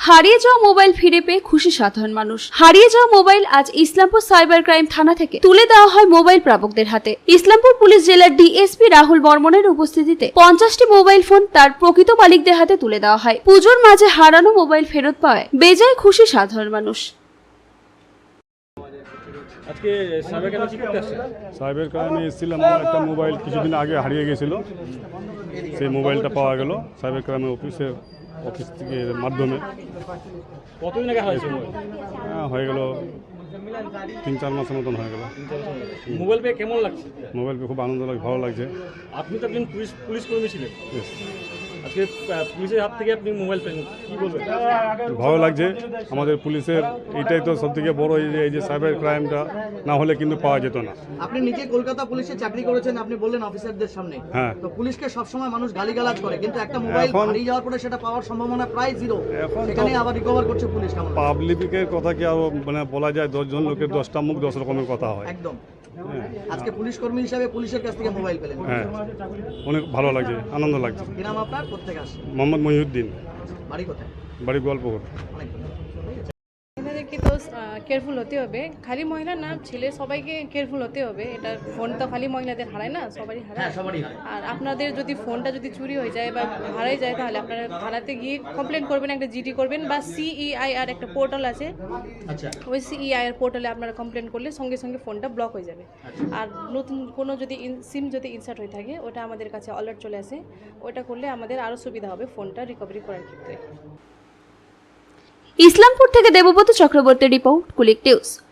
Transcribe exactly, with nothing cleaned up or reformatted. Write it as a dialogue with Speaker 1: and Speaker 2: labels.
Speaker 1: হারিয়ে যাওয়া মোবাইল ফিরে পেয়ে খুশি সাধারণ মানুষ। হারিয়ে যাওয়া মোবাইল আজ ইসলামপুর সাইবার ক্রাইম থানা থেকে তুলে দেওয়া হয় মোবাইল প্রাপকদের হাতে। ইসলামপুর পুলিশ জেলার ডিএসপি রাহুল বর্মনের উপস্থিতিতে পঞ্চাশটি মোবাইল ফোন তার প্রকৃত মালিকদের হাতে তুলে দেওয়া হয়। পুজোর মাঝে হারানো মোবাইল ফেরত পাওয়ায় বেজায় খুশি সাধারণ মানুষ।
Speaker 2: আজকে সাইবার ক্রাইমে কি করতে আসছেন?
Speaker 3: সাইবার ক্রাইমে এসেছিলাম, আমার একটা মোবাইল কিছুদিন আগে হারিয়ে গেছিল, সেই মোবাইলটা পাওয়া গেল সাইবার ক্রাইমের অফিসের অফিস থেকে মাধ্যমে।
Speaker 2: কতদিন আগে হারিয়েছে মোবাইল?
Speaker 3: হ্যাঁ, হয়ে গেল তিন চার মাসের মতন হয়ে গেল।
Speaker 2: মোবাইল পেয়ে কেমন লাগছে?
Speaker 3: মোবাইল পেয়ে খুব আনন্দ লাগে, ভালো লাগছে।
Speaker 2: আপনি তো একজন পুলিশ পুলিশ কর্মী ছিলেন,
Speaker 3: Yes,
Speaker 2: আজকে আহ, পুলিশের হাত থেকে আপনি মোবাইল পেলেন, কি বলবেন?
Speaker 3: ভালো লাগছে। আমাদের পুলিশের এইটাই তো সব থেকে বড়, এই যে এই যে সাইবার ক্রাইমটা না হলে কিন্তু পাওয়া যেত না।
Speaker 4: আপনি নিজে কলকাতা পুলিশে চাকরি করেছেন, আপনি বললেন অফিসারদের সামনে।
Speaker 3: হ্যাঁ।
Speaker 4: তো পুলিশকে সবসময় মানুষ গালিগালাজ করে, কিন্তু একটা মোবাইল
Speaker 3: এখন-
Speaker 4: হারিয়ে যাওয়ার পরে সেটা পাওয়ার সম্ভাবনা প্রায় জিরো।
Speaker 3: এখন তো-
Speaker 4: সেখানে আবার রিকভার করছে পুলিশ, কেমন লাগে?
Speaker 3: পাবলিকের কথা কি আর মানে বলা যায়? দশজন লোকের দশটা মুখ, দশ রকমের কথা হয়।
Speaker 4: একদম।
Speaker 3: হ্যাঁ,
Speaker 4: আজকে পুলিশ কর্মী হিসাবে পুলিশের কাছ থেকে মোবাইল পেলেন,
Speaker 3: হ্যাঁ, অনেক ভালো লাগছে, আনন্দ লাগছে।
Speaker 4: কি নাম আপনার, কোত্থেকে আসছে,
Speaker 3: মোহাম্মদ মহিউদ্দিন,
Speaker 4: বাড়ি কোথায়?
Speaker 3: বাড়ি গোয়ালপুকুর।
Speaker 4: অনেক
Speaker 5: এনাদেরকে তো কেয়ারফুল হতে হবে, খালি মহিলা না ছেলে সবাইকে কেয়ারফুল হতে হবে। এটা ফোন তো খালি মহিলাদের হারায় না, সবারই
Speaker 4: হ্যাঁ,
Speaker 5: হারায়।
Speaker 4: সবারই হয়।
Speaker 5: আর আপনাদের যদি ফোনটা যদি চুরি হয়ে যায় বা হারাই যায়, তাহলে আপনারা থানাতে গিয়ে কমপ্লেন করবেন, একটা জিডি করবেন, বা সিইআই আর একটা পোর্টাল আছে,
Speaker 4: আচ্ছা,
Speaker 5: ওই সিইআই এর পোর্টালে আপনারা কমপ্লেন করলে সঙ্গে সঙ্গে ফোনটা ব্লক হয়ে যাবে। আর নতুন কোনো যদি সিম যদি ইনসার্ট হয়ে থাকে, ওটা আমাদের কাছে অ্যালার্ট চলে আসে, ওটা করলে আমাদের আরও সুবিধা হবে ফোনটা রিকভারি করার ক্ষেত্রে।
Speaker 1: ইসলামপুর থেকে দেবব্রত চক্রবর্তী রিপোর্ট, কুলিক নিউজ।